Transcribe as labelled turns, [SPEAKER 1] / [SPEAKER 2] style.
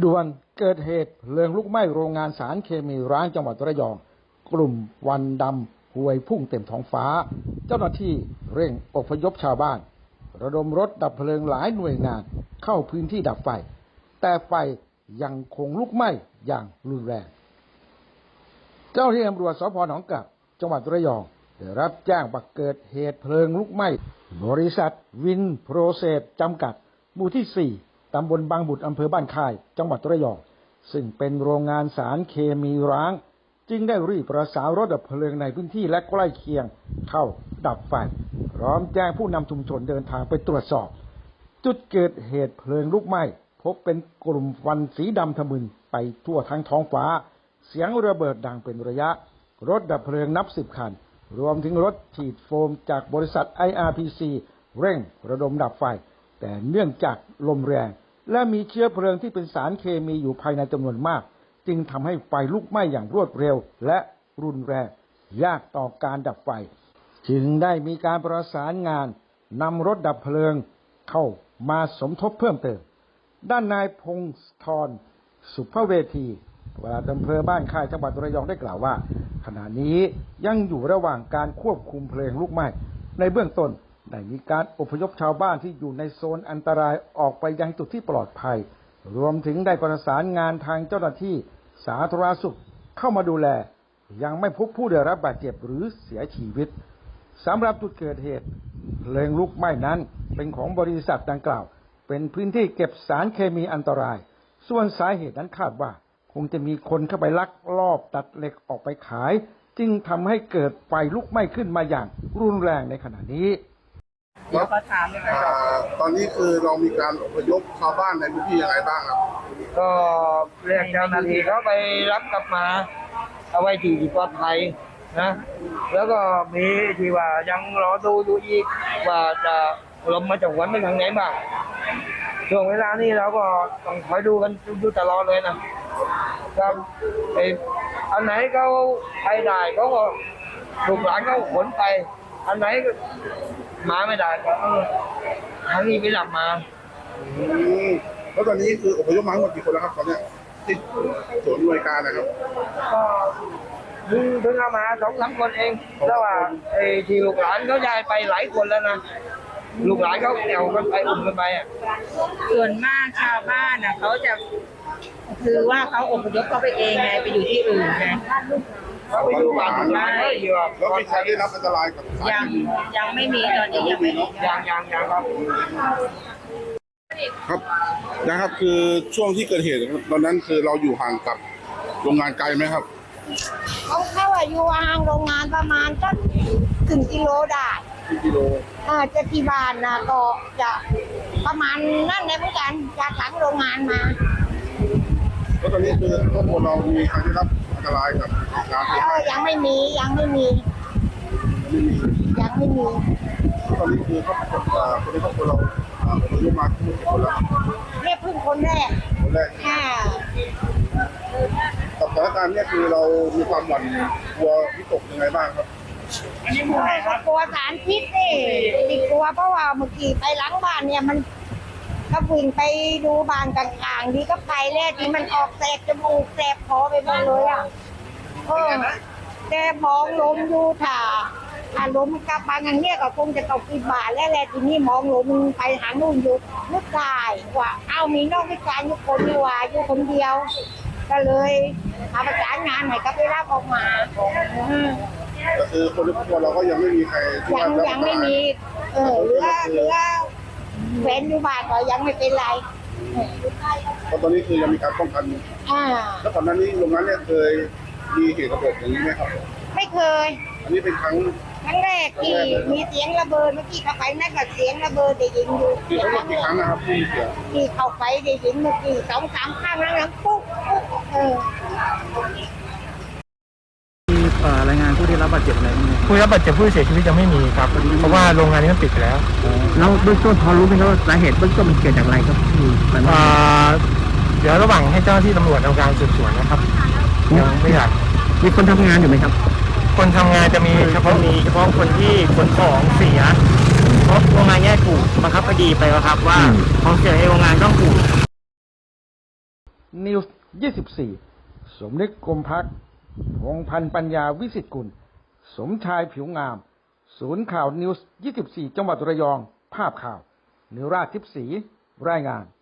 [SPEAKER 1] ด่วนเกิดเหตุเพลิงลุกไหม้โรงงานสารเคมีร้างจังหวัดระยองกลุ่มควันดำพวยพุ่งเต็มท้องฟ้าเจ้าหน้าที่เร่งอพยพชาวบ้านระดมรถดับเพลิงหลายหน่วยงานเข้าพื้นที่ดับไฟแต่ไฟยังคงลุกไหม้อย่างรุนแรงเจ้าหน้าที่ตำรวจสพ.หนองกลับจังหวัดระยองได้รับแจ้งว่าเกิดเหตุเพลิงลุกไหม้บริษัทวินโปรเซสจำกัดหมู่ที่4ตำบลบางบุตรอำเภอบ้านค่ายจังหวัดระยองซึ่งเป็นโรงงานสารเคมีร้างจึงได้รีบประสานรถดับเพลิงในพื้นที่และใกล้เคียงเข้าดับไฟพร้อมแจ้งผู้นำชุมชนเดินทางไปตรวจสอบจุดเกิดเหตุเพลิงลุกไหม้พบเป็นกลุ่มควันสีดำทะมึนไปทั่วทั้งท้องฟ้าเสียงระเบิดดังเป็นระยะรถดับเพลิงนับ10 คันรวมถึงรถฉีดโฟมจากบริษัท IRPC เร่งระดมดับไฟแต่เนื่องจากลมแรงและมีเชื้อเพลิงที่เป็นสารเคมีอยู่ภายในจำนวนมากจึงทำให้ไฟลุกไหม้อย่างรวดเร็วและรุนแรงยากต่อการดับไฟจึงได้มีการประสานงานนำรถดับเพลิงเข้ามาสมทบเพิ่มเติมด้านนายพงศธรสุภเวทีปลัดอำเภอบ้านค่ายจังหวัดระยองได้กล่าวว่าขณะนี้ยังอยู่ระหว่างการควบคุมเพลิงลุกไหม้ในเบื้องต้นได้มีการอพยพชาวบ้านที่อยู่ในโซนอันตรายออกไปยังจุดที่ปลอดภัยรวมถึงได้ประสานงานทางเจ้าหน้าที่สาธารณสุขเข้ามาดูแลยังไม่พบผู้ได้รับบาดเจ็บหรือเสียชีวิตสำหรับจุดเกิดเหตุเพลิงลุกไหม้นั้นเป็นของบริษัทดังกล่าวเป็นพื้นที่เก็บสารเคมีอันตรายส่วนสาเหตุนั้นคาดว่าคงจะมีคนเข้าไปลักลอบตัดเหล็กออกไปขายจึงทำให้เกิดไฟลุกไหม้ขึ้นมาอย่างรุนแรงในขณะนี้
[SPEAKER 2] เดี๋ยวขอถามเลยครับตอนนี้คือเรามีการอพยพชาวบ้านในพื้นที่ยังไงบ้างครับ
[SPEAKER 3] ก็เรียกเจ้าหน้าที่เขาไปรับกลับมาเอาไว้ที่ปลอดภัยนะแล้วก็มีที่ว่ายังรอดูอีกว่าจะลมมาจากวันไปทางไหนบ้างช่วงเวลานี้เราก็ต้องคอยดูกันดูตลอดเลยนะครับอันไหนเขาไปได้เขาก็ลูกหลานเขาขนไปอันไหนมาไม่ได้ก็ทางนี้ไปรับมา
[SPEAKER 2] แล้วตอนนี้คืออพยพมาทั้งหมดกี่คนแล้วครับตอนนี้ที่ส่วนหน่วยการนะครับ
[SPEAKER 3] ก็เพิ่งเอามา2-3 คนเองแล้วว่าไอ้ที่ลูกหลานเขาย้ายไปหลายคนแล้วนะลูกหลานเขาแนวกันไปอุ้มกันไปอ่ะ
[SPEAKER 4] ส่วนมากชาวบ้านเขาจะคือว่าเขาอพยพเข้าไปเองไงไปอยู่ที่อื่นไง
[SPEAKER 3] เขาไปอยู่บ้าน
[SPEAKER 2] แล้วมีใครได้รับอันตรายกับ
[SPEAKER 4] ยังไม่มีตอนนี้ยังไม่มี
[SPEAKER 3] ยังครับ
[SPEAKER 2] ครับนะครับคือช่วงที่เกิดเหตุตอนนั้นคือเราอยู่ห่างกับโรงงานไกลไหมครับ
[SPEAKER 5] เขาอยู่ห่างโรงงานประมาณสัก1 กิโลได้
[SPEAKER 2] กิโล
[SPEAKER 5] จะที่บ้านนะก็จะประมาณนั่นแหละเหมือนกันจากหลังโรงงานมา
[SPEAKER 2] แล้วตอนนี้คือครอบครัวเรามีใครได้รับอันตรายกับการ
[SPEAKER 5] ยังไม่มีตอนนี้
[SPEAKER 2] คือครอบครัวคนในครอบครัวเราอายุมากขึ้นคนละ
[SPEAKER 5] เรียกพึ่งคนแรก
[SPEAKER 2] กับสถานการณ์เนี่ยคือเรามีความหวั่นกลัววิตกยังไงบ้างครับ
[SPEAKER 5] กลัวสารพิษดิกลัวเพราะว่าเมื่อกี้ไปล้างบ้านเนี่ยมันก็วิ่งไปดูบ้านต่างๆดีก็ไปแล้วที่มันออกแสบจมูกแสบคอไปหมดเลยแต่มองลมอยู่ถ้าลมกลับมาอย่างเนี้ยก็คงจะตกกี่บาทแล้วแหละทีนี้มองลมไปหานู่นอยู่นึกได้ว่ามีนอกวิจารณ์อยู่คนดีว่าอยู่คนเดียวก็เลยมาประสานงานให้กับไปรับออกมา
[SPEAKER 2] ก็คือคนในครอบครัวเราก็ยังไม่มีใคร
[SPEAKER 5] ยังไม่มีเหลือแฟนอยู่บ้านก็ยังไม่เป็นไร
[SPEAKER 2] เพราะตอนนี้คือยังมีการป้องกันแล้วก่อนหน้านี้โรงงานเนี่ยเคยมีเหตุระเบิดอย่างนี้ไหมครับ
[SPEAKER 5] ไม่เคย
[SPEAKER 2] อันนี้เป็นครั้ง
[SPEAKER 5] แรกที่มีเสียงระเบิดเมื่อกี้เข้าไปนั่นก็เสียงระเบิดได้ยินอยู่
[SPEAKER 2] ทั้งหมดกี่ครั้งนะครับ
[SPEAKER 5] ที่เข้าไปได้ยินเมื่อกี้2-3 ครั้งแล้วปุ๊บ
[SPEAKER 1] มีรายงานผู้ได้รับบาดเจ็บอะไรไหม
[SPEAKER 6] ผู้ได้รับบาดเจ็บผู้เสียชีวิตยังไม่มีครับเพราะว่าโรงงานนี้มันปิดไปแล้ว
[SPEAKER 1] แล้วเบื้องต้นพอรู้ไหมครับว่าสาเหตุเบื้องต้นมันเกิดจากอะไรครับ
[SPEAKER 6] เดี๋ยวระหว่างให้เจ้าหน้าที่ตำรวจทำการสืบสวนนะครับยังไม่อยาก
[SPEAKER 1] มีคนทำงานอยู่ไหมครับ
[SPEAKER 6] คนทำงานจะมีเฉพาะคนที่ขนของเสียเพราะโรงงานแยกถูกบังคับคดีไปแล้วครับว่าของเสียในโรงงานต้องถูก
[SPEAKER 1] นิวส์24 สมนึกกรมพักพงษ์พันธ์ปัญญาวิสิตกุลสมชายผิวงามศูนย์ข่าวนิวส์24 จังหวัดระยองภาพข่าวนิราชทิพย์ศรีรายงาน